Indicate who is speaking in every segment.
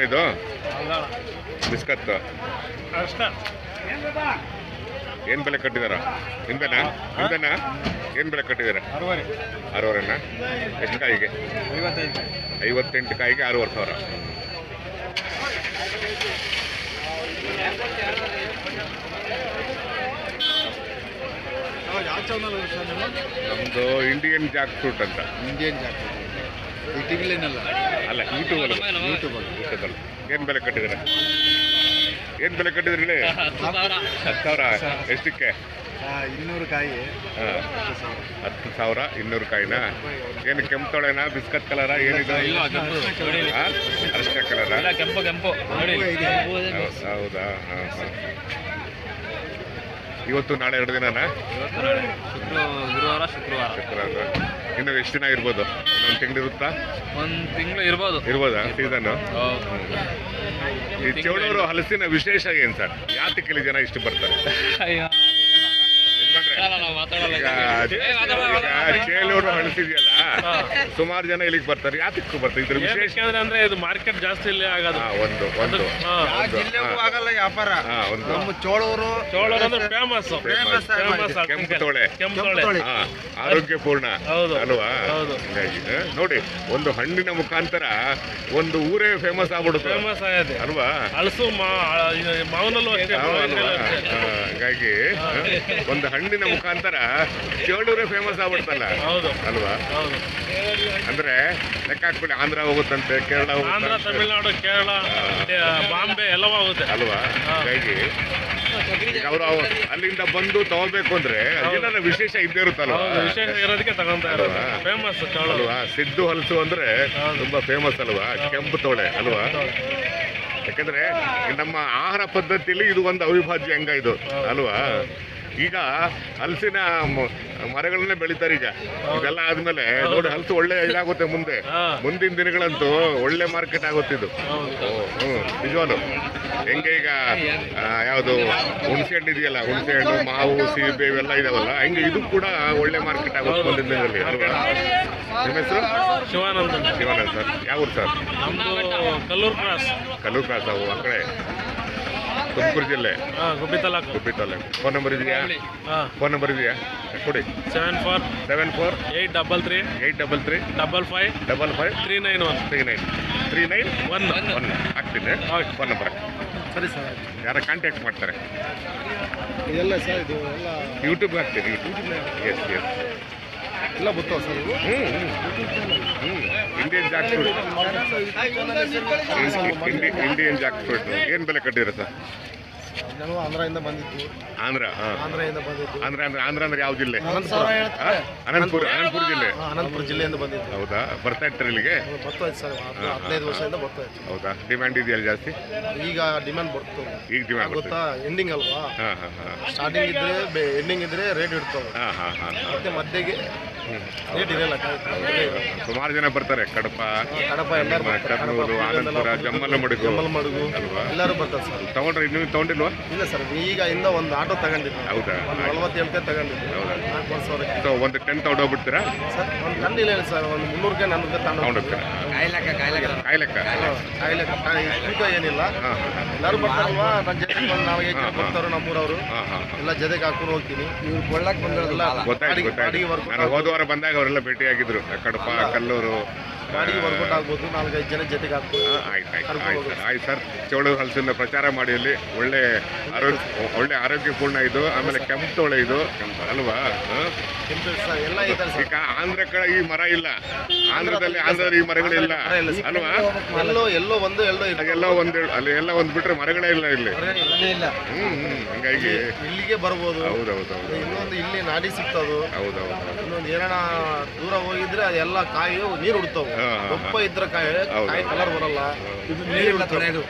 Speaker 1: ಇದು ಬಿಸ್ಕತ್ ಏನು ಬೆಲೆ ಕಟ್ಟಿದಾರ ನಿಂದನಾ ಏನು ಬೆಲೆ ಕಟ್ಟಿದಾರ 6,500 ಎಷ್ಟು ಕಾಯಿಗೆ 58 ಕಾಯಿಗೆ 6,500. ನಮ್ದು ಇಂಡಿಯನ್ ಜಾಕ್ ಫ್ರೂಟ್ ಅಂತ. ಅಲ್ಲ ಯೂಟ್ಯೂಬಲ್ಲಿ ಏನು ಬೆಲೆ ಕಟ್ಟಿದ್ರೆ ಏನು ಬೆಲೆ ಕಟ್ಟಿದ್ರಿ 10,000 ಎಷ್ಟಕ್ಕೆ
Speaker 2: 200 ಕಾಯಿ
Speaker 1: 10,000 200 ಕಾಯಿನಾ? ಏನು ಕೆಂಪು ತೊಳೆನಾ ಬಿಸ್ಕತ್ ಕಲರ ಏನಿದೆ ಅರಿಶಿನ ಕಲರ? ಹೌದಾ? ಹಾಂ ಹಾಂ. ಇವತ್ತು ನಾಳೆ 2 ದಿನನಾ?
Speaker 3: ಗುರುವಾರ ಶುಕ್ರವಾರ.
Speaker 1: ಇನ್ನು ಎಷ್ಟು ದಿನ ಇರ್ಬೋದು? ಇನ್ನೊಂದು ತಿಂಗಳು ಇರುತ್ತಾ?
Speaker 3: 1 ತಿಂಗಳು
Speaker 1: ಇರ್ಬೋದಾ ಸೀಸನ್? ಈ ಚೌಡೂರು ಹಲಸಿನ ವಿಶೇಷ ಏನು ಸರ್? ಯಾತಕ್ಕೆ ಜನ ಇಷ್ಟು ಬರ್ತಾರೆ? ಚೇಳೂರು ಹಲಸಿದೆಯಲ್ಲ, ಸುಮಾರು ಜನ ಇಲ್ಲಿಗೆ ಬರ್ತಾರೆ. ಯಾತಕ್ಕೆ ಬರ್ತಾರೆ? ಇದ್ರ ವಿಶೇಷ
Speaker 3: ಅಂದ್ರೆ ಇದು ಮಾರ್ಕೆಟ್ ಜಾಸ್ತಿ ಇಲ್ಲಿ ಆಗೋದು.
Speaker 1: ಒಂದು
Speaker 2: ಆಗಲ್ಲ ವ್ಯಾಪಾರ. ನಮ್ಮ ಚೋಳೂರು
Speaker 3: ಅಂದ್ರೆ ಫೇಮಸ್
Speaker 1: ಕೆಂಪು ತೊಳೆ ಆರೋಗ್ಯಪೂರ್ಣ ಅಲ್ವಾ? ಹೀಗಾಗಿ ನೋಡಿ, ಒಂದು ಹಣ್ಣಿನ ಮುಖಾಂತರ ಒಂದು ಊರೇ ಫೇಮಸ್ ಆಗ್ಬಿಡುತ್ತೆ ಅಲ್ವಾ?
Speaker 3: ಹಲಸು ಮಾವನಲ್ಲೂ
Speaker 1: ಹಾಗಾಗಿ ಒಂದು ಹಣ್ಣಿನ ಮುಖಾಂತರ ಚೇಳೂರೇ ಫೇಮಸ್ ಆಗ್ಬಿಡ್ತಲ್ಲ ಅಲ್ವಾ? ಅಂದ್ರೆ ಲೆಕ್ಕ ಹಾಕ್ಬಿಡಿ, ಆಂಧ್ರ ಹೋಗುತ್ತಂತೆ, ಕೇರಳ ಹೋಗುತ್ತೆ,
Speaker 3: ತಮಿಳ್ನಾಡು, ಕೇರಳ, ಬಾಂಬೆ ಎಲ್ಲವೂ ಹೋಗುತ್ತೆ
Speaker 1: ಅಲ್ವಾ? ಹಾಗಾಗಿ ಅವರು ಅಲ್ಲಿಂದ ಬಂದು ತಗೋಬೇಕು ಅಂದ್ರೆ ಏನಾರ ವಿಶೇಷ ಇದ್ದೇ ಇರುತ್ತಲ್ವಾ?
Speaker 3: ವಿಶೇಷ ಇರೋದಕ್ಕೆ ತಗೊಂತ ಇರೋದು ಫೇಮಸ್
Speaker 1: ಅಲ್ವಾ? ಸಿದ್ದು ಹಲಸು ಅಂದ್ರೆ ತುಂಬಾ ಫೇಮಸ್ ಅಲ್ವಾ? ಕೆಂಪು ತೊಳೆ ಅಲ್ವಾ? ಯಾಕಂದ್ರೆ ನಮ್ಮ ಆಹಾರ ಪದ್ಧತಿಯಲ್ಲಿ ಇದು ಒಂದು ಅವಿಭಾಜ್ಯ ಅಂಗ ಇದು ಅಲ್ವಾ? ಈಗ ಹಲಸಿನ ಮರಗಳನ್ನೇ ಬೆಳಿತಾರೆ. ಈಗ ಇದೆಲ್ಲ ಆದ್ಮೇಲೆ ನೋಡಿ, ಹಲಸು ಒಳ್ಳೆ ಇದಾಗುತ್ತೆ. ಮುಂದಿನ ದಿನಗಳಂತೂ ಒಳ್ಳೆ ಮಾರ್ಕೆಟ್ ಆಗುತ್ತಿದ್ದು. ನಿಜವಾಗ್ಲು ಹೆಂಗೆ ಈಗ ಯಾವುದು ಹುಣಸೆ ಹಣ್ಣು ಇದೆಯಲ್ಲ, ಹುಣಸೆ ಹಣ್ಣು, ಮಾವು, ಸೀಬೆ ಇವೆಲ್ಲ ಇದಾವಲ್ಲ, ಹಂಗೆ ಇದು ಕೂಡ ಒಳ್ಳೆ ಮಾರ್ಕೆಟ್ ಆಗುತ್ತೆ ಮುಂದಿನ ದಿನದಲ್ಲಿ ಅಲ್ವಾ? ನಿಮ್ಮ ಹೆಸರು?
Speaker 3: ಶಿವಾನಂದ್
Speaker 1: ಸರ್. ಯಾವ ಊರು ಸರ್?
Speaker 3: ಕಲ್ಲೂರು
Speaker 1: ಕ್ರಾಸ್. ಅವು ಆ ಕಡೆ ತುಮಕೂರು ಜಿಲ್ಲೆ,
Speaker 3: ಗುಬ್ಬಿ ತಾಲೂಕು.
Speaker 1: ಫೋನ್ ನಂಬರ್ ಇದೆಯಾ? ಕೊಡಿ. 74
Speaker 3: 833
Speaker 1: 55
Speaker 3: 391
Speaker 1: ಹಾಕ್ತೀನಿ. ಫೋನ್ ನಂಬರ್
Speaker 2: ಸರಿ ಸರ್.
Speaker 1: ಯಾರ ಕಾಂಟ್ಯಾಕ್ಟ್ ಮಾಡ್ತಾರೆ?
Speaker 2: ಇದೆಲ್ಲ ಸರ್, ಇದು ಎಲ್ಲ
Speaker 1: ಯೂಟ್ಯೂಬ್ ಹಾಕ್ತೀನಿ. ಎಸ್
Speaker 2: ಎಲ್ಲ ಗೊತ್ತಾವ ಸರ್.
Speaker 1: ಇಂಡಿಯನ್ ಜಾಕ್ ಫ್ರೂಟ್ ಏನು ಬೆಲೆ ಕಟ್ಟಿದ್ರೆ ಸರ್?
Speaker 2: ನಾನು ಆಂಧ್ರದಿಂದ ಬಂದಿದ್ದು.
Speaker 1: ಆಂಧ್ರ ಅಂದ್ರೆ ಯಾವ ಜಿಲ್ಲೆ? ಅನಂತಪುರ ಜಿಲ್ಲೆ.
Speaker 2: ಅನಂತಪುರ ಜಿಲ್ಲೆಯಿಂದ ಬಂದಿದ್ದು.
Speaker 1: ಹೌದಾ? ಬರ್ತಾ ಇರ್ತಾರೆ ಇಲ್ಲಿಗೆ?
Speaker 2: ಬರ್ತಾ ಇತ್ತು ಸರ್, 15 ವರ್ಷದಿಂದ ಬರ್ತಾ ಇತ್ತು.
Speaker 1: ಹೌದಾ? ಡಿಮ್ಯಾಂಡ್ ಇದೆಯಲ್ಲ ಜಾಸ್ತಿ?
Speaker 2: ಈಗ ಡಿಮ್ಯಾಂಡ್ ಬರ್ತದೆ.
Speaker 1: ಈಗ ಡಿಮ್ಯಾಂಡ್
Speaker 2: ಗೊತ್ತಾ? ಎಂಡಿಂಗ್ ಅಲ್ವಾ? ಸ್ಟಾರ್ಟಿಂಗ್ ಇದ್ರೆ ಎಂಡಿಂಗ್ ಇದ್ರೆ ರೇಟ್ ಇರ್ತವೆ. ಮತ್ತೆ ಮಧ್ಯೆಗೆ ರೇಟ್ ಇರಲ್ಲ.
Speaker 1: ಸುಮಾರು ಜನ ಬರ್ತಾರೆ. ಕಡಪ
Speaker 2: ಎಲ್ಲರೂ
Speaker 1: ಕರ್ನೂಲು, ಆನಂದಪುರ, ಜಮ್ಮಲಮಡುಗು
Speaker 2: ಅಲ್ವಾ? ಎಲ್ಲರೂ ಬರ್ತಾರೆ ಸರ್.
Speaker 1: ತಗೊಂಡ್ರೆ ಇನ್ನೂ ತಗೊಂಡಿಲ್ವಾ?
Speaker 2: ಇಲ್ಲ ಸರ್, ಈಗ ಇಂದ ಒಂದು ಆಟೋ ತಗೊಂಡಿದ್ದು.
Speaker 1: ಹೌದಾ?
Speaker 2: 47 ತಗೊಂಡಿದ್ದು. 4 ವರ್ಷ
Speaker 1: ಒಂದು 10 ತಗೊಂಡೋಗ್ಬಿಡ್ತೀರಾ
Speaker 2: ಸರ್? ಒಂದು ಟನ್ ಇಲ್ಲ ಸರ್, ಒಂದು 300 400
Speaker 1: ತಗೊಂಡೋಗ್ತೀರಾ? ಕಾಯಿ
Speaker 2: ತೂಕ ಏನಿಲ್ಲ. ಎಲ್ಲರೂ ಬರ್ತಾರಲ್ವಾ? ನನ್ನ ಜೊತೆ ನಾವು ಬರ್ತಾರೆ, ನಮ್ಮೂರವರು ಎಲ್ಲ ಜೊತೆಗೆ ಹಾಕೊಂಡು ಹೋಗ್ತೀನಿ. ಇವ್ರು ಕೊಳ್ಳಕ್ಕೆ ಬಂದಿರೋದಿಲ್ಲ.
Speaker 1: ಗೊತ್ತಾಯ್ತು. ಹೋದ ವಾರ ಬಂದಾಗ ಅವರೆಲ್ಲ ಭೇಟಿಯಾಗಿದ್ರು. ಕಡಪ, ಕಲ್ಲೂರು.
Speaker 2: ಗಾಡಿಗೆ ವರ್ಕೌಟ್ ಆಗ್ಬೋದು, 4-5 ಜನ ಜೊತೆಗೆ ಹಾಕ್ಬೋದು.
Speaker 1: ಆಯ್ತು ಸರ್. ಚೌಡೂರು ಹಲಸಿನ ಪ್ರಚಾರ ಮಾಡಿ. ಅಲ್ಲಿ ಒಳ್ಳೆ ಆರೋಗ್ಯಪೂರ್ಣ ಇದು. ಆಮೇಲೆ ಕೆಂಪು ತೊಳೆ ಇದು ಅಲ್ವಾ?
Speaker 2: ಎಲ್ಲ
Speaker 1: ಈಗ ಆಂಧ್ರ ಕಡೆ ಈ ಮರ ಇಲ್ಲ. ಆಂಧ್ರದಲ್ಲಿ ಈ ಮರಗಳಿಲ್ಲ ಅಲ್ವಾ?
Speaker 2: ಎಲ್ಲೋ ಒಂದು
Speaker 1: ಅಲ್ಲಿ ಎಲ್ಲ ಒಂದು ಬಿಟ್ರೆ ಮರಗಳೇ ಇಲ್ಲ ಇಲ್ಲಿ. ಹಂಗಾಗಿ
Speaker 2: ಇಲ್ಲಿಗೆ ಬರ್ಬೋದು.
Speaker 1: ಹೌದೌದು.
Speaker 2: ಇನ್ನೊಂದು ಇಲ್ಲಿ ನಾಡಿ ಸಿಗ್ತದು.
Speaker 1: ಹೌದೌದು.
Speaker 2: ಇನ್ನೊಂದು ಏನಾರ ದೂರ ಹೋಗಿದ್ರೆ ಅದೆಲ್ಲ ಕಾಯಿ ನೀರು ಉಡ್ತಾವ. ದಪ್ಪ ಇದ್ರ ಕಾಯಿ ಕಲರ್ ಬರಲ್ಲ. ಇದು ನೀರು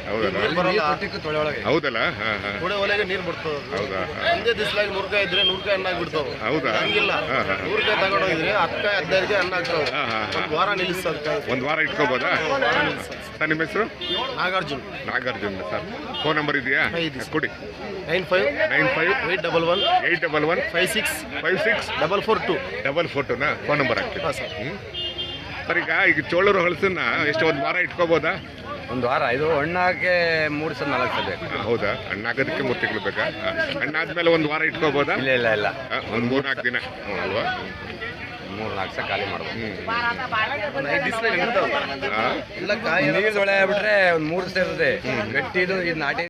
Speaker 1: ಹೌದಲ್ಲ?
Speaker 2: ತೊಳೆ ಒಲೆಗೆ ನೀರು ಬಿಡ್ತದೆ.
Speaker 1: ಹೌದಾ?
Speaker 2: ಒಂದೇ ದಿವ್ಸಲಾಗಿ 100 ಕಾಯಿ ಇದ್ರೆ 100 ಕಾಯಿ ಹಣ್ಣಾಗಿ ಬಿಡ್ತಾವ.
Speaker 1: ಹೌದಾ?
Speaker 2: ಹಂಗಿಲ್ಲ, 100 ಕಾಯಿ ತಗೊಂಡೋಗಿದ್ರೆ 10 ಕಾಯಿ 15 ಕಾಯಿ ಹಣ್ಣಾಗ್ತಾವ. ಒಂದು ವಾರ ನಿಲ್ಲಿಸ್ತದೆ.
Speaker 1: ಒಂದು ವಾರ ಇಟ್ಕೋಬೋದಾ ಸರ್? ನಿಮ್ಮ ಹೆಸರು?
Speaker 2: ನಾಗಾರ್ಜುನ್
Speaker 1: ಸರ್. ಫೋನ್ ನಂಬರ್ ಇದೆಯಾ? ಕೊಡಿ.
Speaker 2: 95 811
Speaker 1: 56 442 ಫೋನ್ ನಂಬರ್ ಹಾಕ್ತೀನಿ
Speaker 2: ಸರ್.
Speaker 1: ಸರ್. ಈಗ ಚೋಳೂರು ಹಲಸನ್ನ ಎಷ್ಟು ಒಂದು ವಾರ ಇಟ್ಕೋಬೋದಾ?
Speaker 4: ಒಂದು ವಾರ ಇದು ಹಣ್ಣಾಕೆ 3 ಸಲ 4 ಸಲ ಬೇಕು.
Speaker 1: ಹೌದಾ? ಹಣ್ಣಾಗೋದಕ್ಕೆ 3 ತಿಂಗಳು ಬೇಕಾ? ಹಣ್ಣಾದ್ಮೇಲೆ ಒಂದು ವಾರ ಇಟ್ಕೋಬೋದಾ?
Speaker 4: ಇಲ್ಲ
Speaker 1: ಒಂದು 3-4 ದಿನ ಅಲ್ವಾ?
Speaker 4: 3-4 ಸಲ ಖಾಲಿ ಮಾಡ್ಬೋದು.
Speaker 2: ಎಲ್ಲ ಕಾಯಿ
Speaker 4: ನೀರು ತೊಳೆ ಬಿಟ್ರೆ ಒಂದು 3 ದಿವಸ ಇರ್ತದೆ ಗಟ್ಟಿ ಇದು ನಾಟಿ